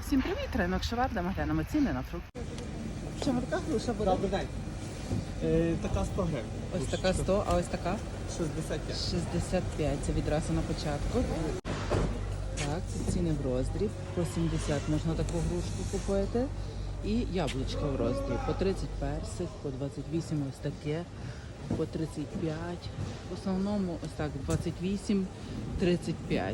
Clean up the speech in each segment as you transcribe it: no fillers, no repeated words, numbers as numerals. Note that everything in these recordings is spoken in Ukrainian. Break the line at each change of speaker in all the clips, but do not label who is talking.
Всім привіт! Ринок Шеварда, глянемо ціни на фрукти. В чому така груша буде?
Добрий день. Така 100 гривень.
Ось така 100, а ось така?
65.
65, це відразу на початку. Так, це ціни в роздріб. По 70 можна таку грушку купити. І яблучка в роздріб. По 30 персик, по 28 ось таке, по 35. В основному ось так 28, 35.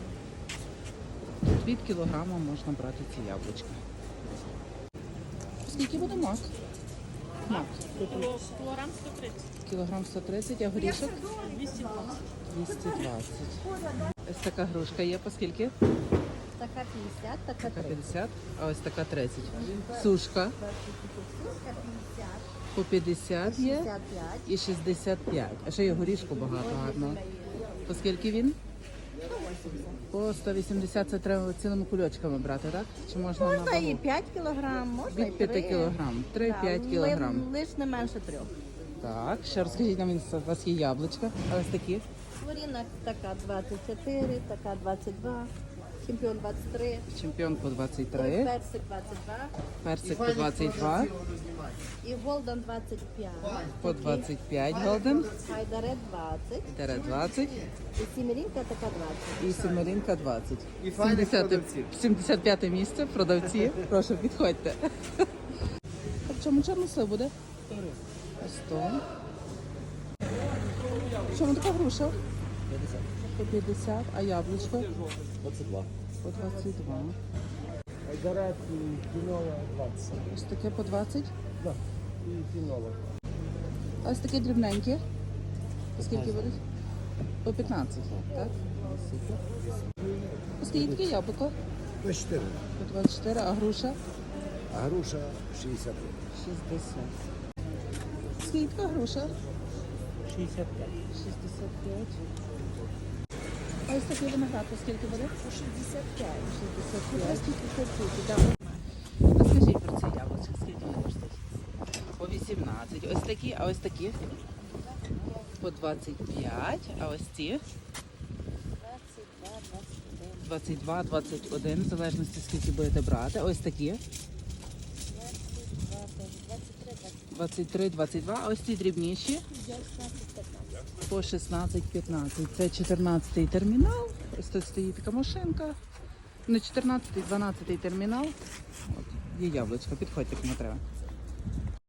Від кілограма можна брати ці яблучка. Скільки буде мак? Мак.
Кілограм 130.
Кілограм 130, а горішок?
220.
220. Ось така грушка є, по скільки?
Така 50, така
Така
30.
50, а ось така 30. Сушка
Сушка 50,
по 50 є
55.
і 65. А ще є горішку багато гарно. По скільки він? По 180 це треба цілими кульочками брати, так? Чи можна на
Можна і
вагу?
5 кілограм, можна і
Від 5
3.
кілограм. 3-5 кілограм.
Лиш не менше 3.
Так, ще розкажіть нам, у вас є яблучка, а ось такі?
Хворіна така 24, така 22, чемпіон 23,
Чемпіон по 23,
персик 22
персик по 22,
і голден 25,
по 25 голден,
хайдаре 20
тере 20
і сімерінка така 20.
і семеринка 20.
І файних продавців.
75 місце, продавці, прошу, підходьте. А в чому чорнослив буде? 100. В чому така груша?
50.
По 50, а яблучко?
22.
По 22.
Айдарет і фінова 20.
Ось таке по 20.
Да. І фінова.
А ось такі дрібненькі. По скільки будуть? По 15, так? Супер. Ось скільки таке яблуко?
24,
По 24, а груша?
а груша 60.
60. Скільки така груша?
65.
65. А ось такий виноград, по скільки буде?
По 65.
65. Розкажіть про ці яблучки, скільки вони коштують? По 18. Ось такі, а ось такі? По 25, а ось ці? 22, 21, в залежності скільки будете брати. Ось такі? 23, 22, а ось ці дрібніші? По 16, 15. Це 14-й термінал. Ось тут стоїть така машинка. Не 14-й, 12-й термінал. От, є яблучко, підходьте, кому треба.